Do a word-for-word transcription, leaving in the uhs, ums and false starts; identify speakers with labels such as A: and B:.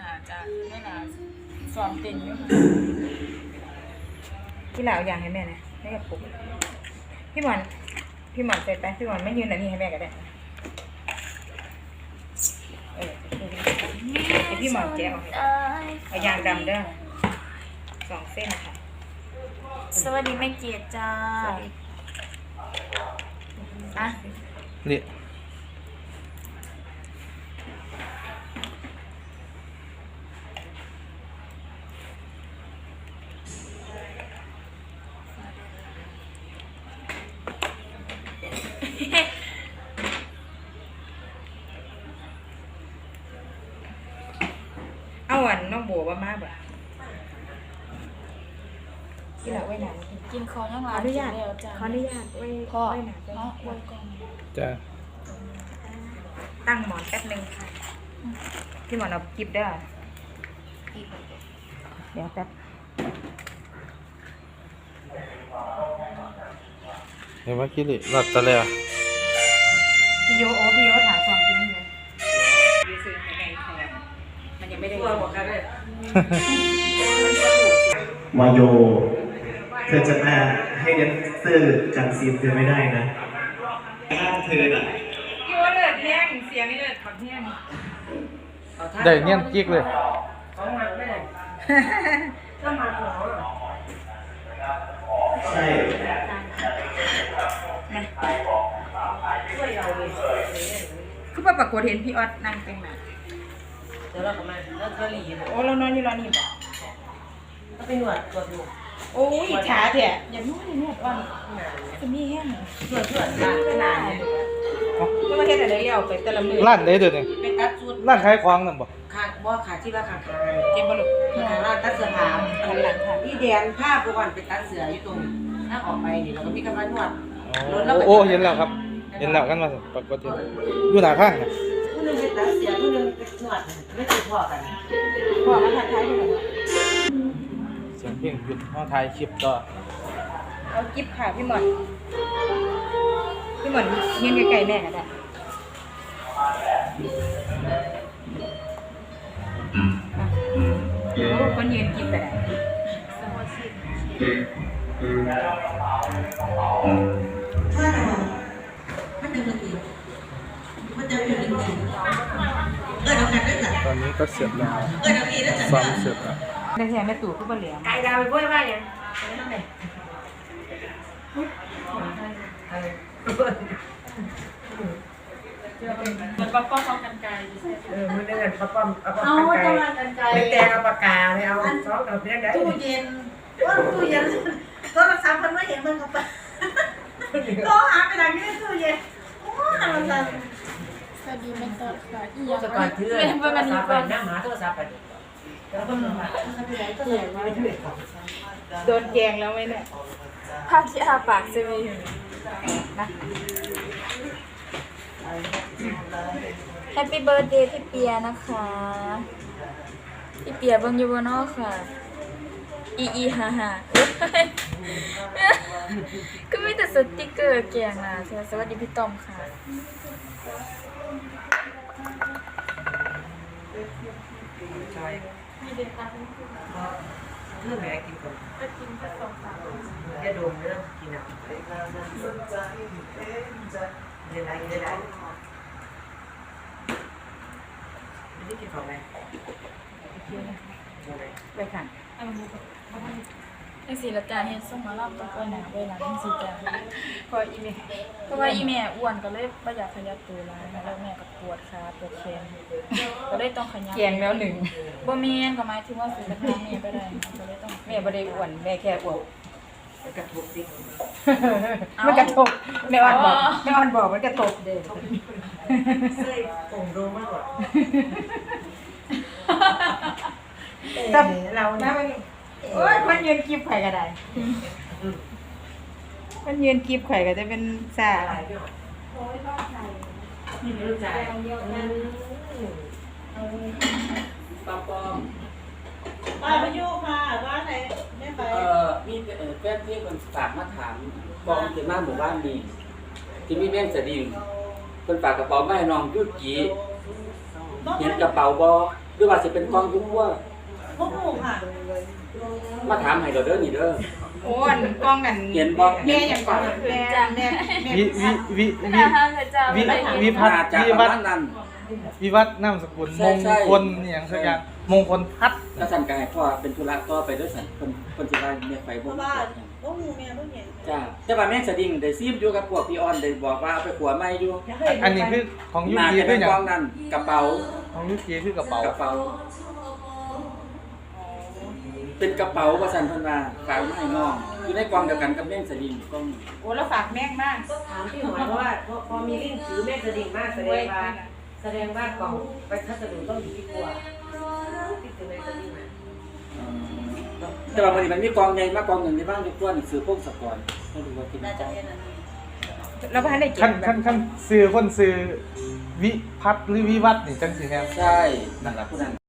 A: น่าจะไม่น่าซ้อมเต้นอยู่ค่ะ
B: พี่เหล่าอย่างให้แม่นะให้กับปุ๊กพี่หมอนพี่หมอนเสร็จไปพี่หมอนไม่ยืนอันนี้ให้แม่ก็ได้เออไอพี่หมอนแกะออกเอายางดำเด้อสองเส้นค่ะ
A: สวัสดีแม่เกียรติจ้าอ่ะ
C: นี่
B: เอาอันน้องโบว่ามาบ่พี่เหล่าไว้หนา
A: กินคอยัง
B: ข
A: ร้า
B: อน อนุญาต
A: แล้วจ้า
B: ขออนุญาตไว้
A: พ่อ
B: ไว้หนา
A: เนาะไว้ก่อน
C: จ้า
B: ตั้งหมอนแป๊บนึงค่ะพี่หมอนเอากิบเด้อเดี๋ยวแป๊บ
C: เห็นไหมคิริหลับตะเลย
B: พี่โยโอ้พี่โยถามสองจริงเลยยืซื้อในไทยมันยังไม่ได้บอกกันเลย
D: วายโยเธอจะมาให้แดนเซอร์กันซีนเธอไม่ได้นะถ้าเธอน่ะ
B: พี่โยเลิศแห้งเสียงนี่เลิศขอดแห้ง
C: ได้เงี้ยกิ๊กเลย
D: ใช่
B: คือว่าปรากฏเห็นพี่ออดนั่งเป็นหมา
E: เดี๋ยวเรากลับมาแล้วก็หลีบ
B: โอ้เรานอนอยู่ร้านนี้บ่
E: ก็ไปหนวดตัวดู
B: โอ้ยอิจฉาเถอะอย่างนู้นอย่างนี้อ่อนจะมีแห้ง
E: หนวดหนวดร้านขนาดเนี่ย
B: ก็มาเฮ็ดอะไรเลี้ยวไปแต่ละมือ
C: ร้านไหนเดี๋ยวนี้
E: เป็นตัดชุด
C: ร้านขายของนั่นบ่
E: ขาบ่ขาที่ว่าขาขา
B: เจ็บบ่ลูก
E: ขาร้านตัดเสื้อผ้า
B: หันหลังค่ะ
E: พี่แดนผ้าประวันเป็นตัดเสื้ออยู่ตรงถ้าออกไปนี่เราก็มีกำลังนวด
C: โอ้โอ้เห็นแล้วครับ เห็นแล้วกันมาสิปรากฏเห็นอยู่หน้าข้างนะ
E: ผู้นึงเป็นตัดเสื้อผู้นึงเป็นนวดไม่ติดพอกัน
B: พ่อมาทักทายกันบ่
C: เสียงเพลงหยุดมาถ่ายคลิปต่อ
B: เอากิฟต์ค่ะพี่หมอนพี่หมอนยืนใกล้ๆแม่ก็ได้โอ้คนยืนกินไปได้
E: ถ้ามันจะมันดีมันจะเป็นดีเออเรากันได้จ้ะ
C: ตอนนี้ก็เสร็จแล้ว
E: เออเราอีได้จ้ะ
C: ซ้อมเสร็จแล้ว
B: ได้แท้แม่ตู่คือบ่เหลียง
E: ไก่ดาวไปบ้วยว่าอย่างนั้นเลย
A: มันก็ป้องเขากันไกล
E: เออมันได้เงินปะป้อมเอาปะกันไก่ไม่แต่เอาปากกาไม่เอาซอสเอาเพี้ยนได้ตู้เย็นว่าตู้เย็นโทรศัพท์มันไม่เห็นมันกับปะก็หาไปไหนไม่ได้ตู้เย็นโอ้ยมันจะ
A: สวัสดีแม่ตอดค่ะอีห
E: โทร
A: ยัง
E: ศัพท์เถื่อน
A: แม่
E: โท
A: เบิ่ง
E: ร
A: อัน
E: ศั
A: นี้
E: พท์
A: ก่อน
E: นั่งหาโทรศัพท์ไปแล้วก็มันมาไปไหนก็ไหนมาไม่ได้
B: โดนแกงแล้วไหมเนี่ย
A: ภาพที่อาปากจะมีอยู่
B: นะ
A: แฮปปี้เบิร์ดเดย์พี่เปียนะคะพี่เปียเบิ่งอยู่บ่เนาะค่ะอีอีฮ่าฮ่าก็มีแต่สติกเกอร์แกงนะสวัสดีพี่ต้อมค่ะ มีเด็กตาเป็นผู้
E: เรื่องไหนกินก่อน
A: จะกินแค่สองสาม
E: จะดมเรื่องกินอ่ะเดี๋ยวไรเดี๋ยวไรไม่ได้กินของอะไร
B: ไปค่ะ
A: อันนี้จังสีละจ้าเฮ็ดส่งมารับต้องไปหนาไปหลังจังสีจ้า
B: พออีเมล
A: เพราะว่าอีแม่อ้วนก็เลยบ่อยากขยับตัวหลายแล้วแม่ก็ปวดขาปวดแขนก็เลยต้องขยับ
B: แกงแล้วหนึ่ง
A: บ่แม่นก็หมายถึงว่าสิละจ้าแม่ไปได้ก็เลยต้อง
B: แม่บ่ได้อ้วนแม่แค่อ้วน
E: กระทบดิ
B: มันกระทบแม่อ่อนบอกแม่อ่อนบอกมันกระทบเด้อ
E: เสื้อผมโดมากกว่า
B: แต่เรานะมันโอ้ยมันยืนกีบไข่ก็ได้มันยืนกีบไข่ก็จะเป็นซา
E: นี่ไม่รู้ใจปอมปอม
F: ป้าไปโยกค่ะบ้านไหนไม่ไป
G: เอ่อมีเอ่อแฟนเพลงคนฝากมาถามบอกถึงมาหมู่บ้านนี้ที่มีแม่งสะดิ่งคนฝากกระเป๋ามาให้น้องยุดจีเห็นกระเป๋าบ่หรือว่าสิเป็นกองยุ่งว่า
F: พวกหมูค่ะ
G: มาถามให้เราเด้อนี่เด้อ
B: โอ้อันกล้องกัน
G: เห็นบ่
B: แม่อย่างก่อนแม่แม่แม่
C: วิวิวิ
A: ไม่
C: วิ
A: น่าห้ามเลยจ้า
C: วิ
A: ไม่ได้
C: วิพัฒ
G: น่า
C: น์
G: จะ
C: วิ
G: ประ
C: วัฒ
G: มาณ
C: น์
G: นั้น
C: วิวัฒน์นามสกุล
G: ใช่
C: มง
G: ใช่
C: คลอหย่างสักอย่างมงคลพัฒน์
G: ก็สั่นกายพ่อเป็นธุระต่อไปด้วยสั่นเพิ่นเพิ่นสิว่าแม่ไป
F: เพ
G: บ่
F: ราะว่าพวกหมูแม่พวกเห็น
G: จ้าแต่ว่าแม่สะดิ่งได้ซีมอยู่กับพวกพี่ออนได้บอกว่าเอาไปขัวใหม่อยู่
C: อันนี้คือของยุ
G: น่า
C: กี
G: จะ
C: คื
G: เป็
C: อน อย่าง
G: กองนั้นกระเป๋า
C: ของยุกีคือกระเป๋าก
G: ระเป๋า เป็นกระเป๋าว่าสั่นเพิ่นว่าฝากมาให้น้องอยู่ในกองเดียวกันกับแม่สะดิ่งกอง
B: โอ้แล้วฝากแม่งมาก
E: ถามพี่หอยว่าพอมีลิงถือแม่กระดิ่งมากแสดงว่าแสดงว่ากล่องไปพัสดุต้องดีกว่าที่ถือแม่กระดิ่งมา
G: แต่ว่าวันนี้มันมีกองใหญ่มากกองหนึ่งในบ้านในตัวหนังสือพวกสกอร์ไม่รู้ว่ากิน
F: น่าจะ
G: จัง
F: เป็นอันนี้
B: แล้วพันได้เก็
C: ขั้น
B: บแบ
C: ขั้
B: บ
C: นขั้นซื้อคนซื้อวิพัฒน์หรือวิวัฒน์นี่จังสิครับ
G: ใช่นั่นแหละผู้นั้น